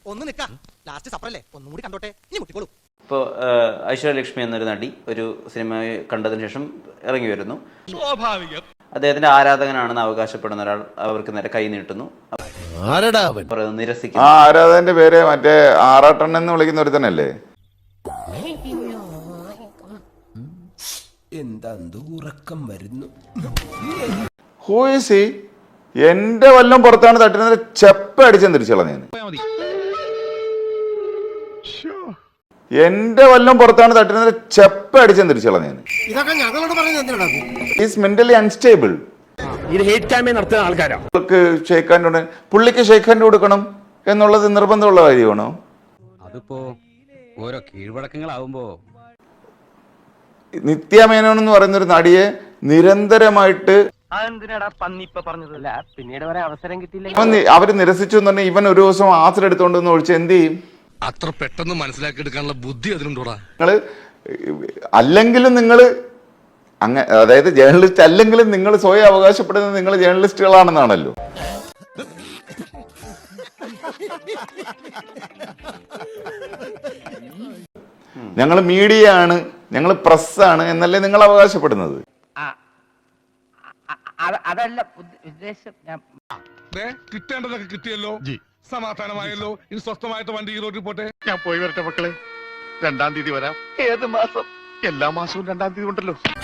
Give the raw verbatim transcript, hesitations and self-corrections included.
ഒന്ന് നിൽക്കാം, ലാസ്റ്റ് സപ്പറല്ലേ, ഒന്നും കൂടി കണ്ടോട്ടെ, ഇനി മുട്ടിക്കോളൂ. ഇപ്പോൾ ഐശ്വര്യലക്ഷ്മി എന്നൊരു നടി ഒരു സിനിമ കണ്ടതിന് ശേഷം ഇറങ്ങി വരുന്നു. സ്വാഭാവികം. അദ്ദേഹത്തിന്റെ ആരാധകനാണെന്ന് അവകാശപ്പെടുന്ന ഒരാൾ അവർക്ക് നേരെ കൈ നീട്ടുന്നു. നിരസിക്കുന്നു. ആ ആരാധകന്റെ പേര് മറ്റേ ആറാട്ടണ്ണൻ എന്ന് വിളിക്കുന്ന ഒരു തന്നെയല്ലേ? എന്താ ഉറക്കം വരുന്നു. Who is he? എന്റെ വല്ലം പുറത്താണ് തട്ടുന്നത്, ചെപ്പ അടിച്ചെന്ന് തിരിച്ചോളാം ഞാൻ. എന്റെ വല്ലം പുറത്താണ് തട്ടുന്നത്, ചെപ്പ അടിച്ചെന്ന് തിരിച്ചോളാം ഞാൻ. Is mentally unstable. Shake hand, പുള്ളിക്ക് ഷേക്ക് ഹാൻഡ് കൊടുക്കണം എന്നുള്ളത് നിർബന്ധമുള്ള കാര്യമാണോ? അതിപ്പോ ഓരോ കീഴ്വഴക്കങ്ങളാവുമ്പോ നിത്യ മേനോൻ എന്ന് പറയുന്ന ഒരു നടിയെ നിരന്തരമായിട്ട് പിന്നീട് വരെ അവസരം കിട്ടിയില്ല. അവര് നിരസിച്ചു എന്ന് പറഞ്ഞാൽ ഇവൻ ഒരു ദിവസം ആസിഡ് എടുത്തോണ്ട് ഒഴിച്ച് എന്ത് ചെയ്യും? അത്ര പെട്ടെന്ന് മനസ്സിലാക്കി എടുക്കാനുള്ള ബുദ്ധി അതിനുണ്ടോടാ? നിങ്ങള് അല്ലെങ്കിലും നിങ്ങള് അങ്ങ അതായത് ജേർണലിസ്റ്റ് അല്ലെങ്കിലും നിങ്ങൾ സ്വയം അവകാശപ്പെടുന്നത് നിങ്ങൾ ജേർണലിസ്റ്റുകളാണെന്നാണല്ലോ. ഞങ്ങൾ മീഡിയ ആണ്, ഞങ്ങൾ പ്രസ്സാണ് എന്നല്ലേ നിങ്ങൾ അവകാശപ്പെടുന്നത്? അതല്ല ഉദ്ദേശം. കിട്ടേണ്ടതൊക്കെ കിട്ടിയല്ലോ, സമാധാനമായല്ലോ. ഇനി സ്വസ്ഥമായിട്ട് വണ്ടി ഈ റോഡിൽ പോട്ടെ. ഞാൻ പോയി വരട്ടെ മക്കളെ. രണ്ടാം തീയതി വരാം. ഏത് മാസം? എല്ലാ മാസവും രണ്ടാം തീയതി ഉണ്ടല്ലോ.